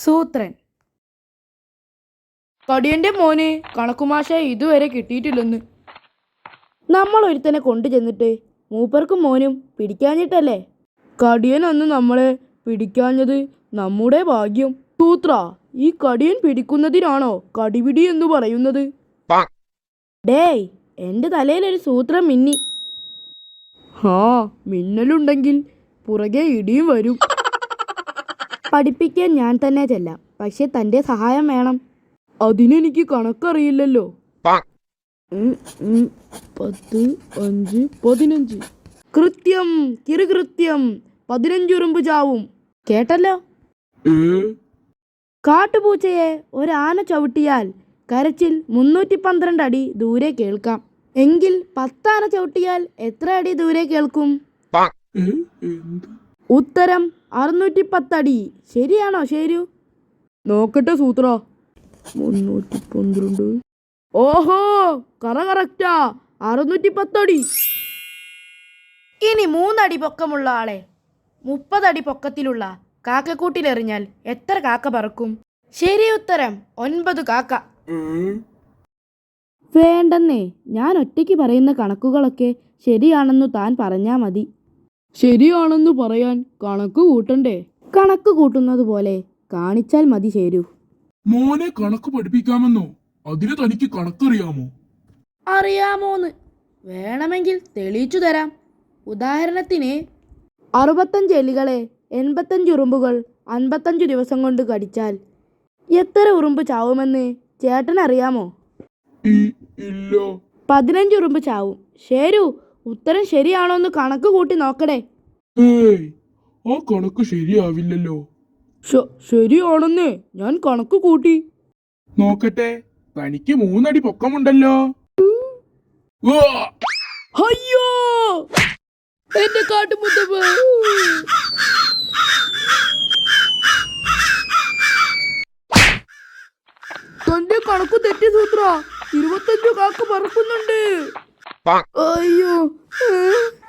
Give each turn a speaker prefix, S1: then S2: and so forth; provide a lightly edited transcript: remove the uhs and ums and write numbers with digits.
S1: സൂത്രൻ. കടിയന്റെ മോനെ കണക്കുമാശ ഇതുവരെ കിട്ടിയിട്ടില്ലെന്ന്. നമ്മൾ ഒരുത്തനെ കൊണ്ടു ചെന്നിട്ട് മൂപ്പർക്കും മോനും പിടിക്കാഞ്ഞിട്ടല്ലേ? കടിയൻ അന്ന് നമ്മളെ പിടിക്കാഞ്ഞത് നമ്മുടെ ഭാഗ്യം. സൂത്ര, ഈ കടിയൻ പിടിക്കുന്നതിനാണോ കടിപിടി എന്ന് പറയുന്നത്? ഡേയ്, എന്റെ തലയിലൊരു സൂത്രം മിന്നി. മിന്നലുണ്ടെങ്കിൽ പുറകെ ഇടിയും വരും. പഠിപ്പിക്കാൻ ഞാൻ തന്നെ ചെല്ലാം, പക്ഷെ തന്റെ സഹായം വേണം. അതിനെനിക്ക് കണക്കറിയില്ലല്ലോ. 10, 5, 15. കൃത്യം, കിറുകൃത്യം 15 ഉറുമ്പ് ചാവും. കേട്ടല്ലോ? കാട്ടുപൂച്ചയെ ഒരാന ചവിട്ടിയാൽ കരച്ചിൽ 312 അടി ദൂരെ കേൾക്കാം. എങ്കിൽ 10 ആന ചവിട്ടിയാൽ എത്ര അടി ദൂരെ കേൾക്കും? ഉത്തരം 610 അടി. ശരിയാണോ ശരു? നോക്കട്ടെ സൂത്ര. 312. ഓഹോ, കറക്റ്റാ, 610 അടി. ഇനി 3 അടി പൊക്കമുള്ള ആളെ 30 അടി പൊക്കത്തിലുള്ള കാക്കക്കൂട്ടിലെറിഞ്ഞാൽ എത്ര കാക്ക പറക്കും? ശരി ഉത്തരം 9 കാക്ക. വേണ്ടെന്നേ, ഞാൻ ഒറ്റയ്ക്ക് പറയുന്ന കണക്കുകളൊക്കെ ശരിയാണെന്നു താൻ പറഞ്ഞാ മതി. ശരിയാണെന്നു പറയാൻ കണക്ക് കൂട്ടണ്ടേ? കണക്ക് കൂട്ടുന്നത് പോലെ കാണിച്ചാൽ മതി ശരു.
S2: മോനെ കണക്ക് പഠിപ്പിക്കാമെന്നോ? അതിന് തനിക്ക് കണക്കറിയാമോ?
S1: അറിയാമോന്ന് വേണമെങ്കിൽ തെളിയിച്ചു തരാം. ഉദാഹരണത്തിന് 65 എലികളെ 85 ഉറുമ്പുകൾ 55 ദിവസം കൊണ്ട് കടിച്ചാൽ എത്ര ഉറുമ്പ് ചാവുമെന്ന് ചേട്ടനറിയാമോ?
S2: ഇല്ല.
S1: 15 ഉറുമ്പ് ചാവും. ശരു, ഉത്തരം ശരിയാണോന്ന് കണക്ക് കൂട്ടി നോക്കടേ.
S2: ആ കണക്ക് ശരിയാവില്ലല്ലോ.
S1: ശരിയാണെന്നേ, ഞാൻ കണക്ക് കൂട്ടി.
S2: നോക്കട്ടെ, തനിക്ക് 3 അടി പൊക്കമുണ്ടല്ലോ.
S1: അയ്യോ, എന്റെ കാട്ടുമുത്തപ്പ. തന്റെ കണക്ക് തെറ്റി സൂത്ര. 25 കാക്ക പറക്കുന്നുണ്ട്. അയ്യോ.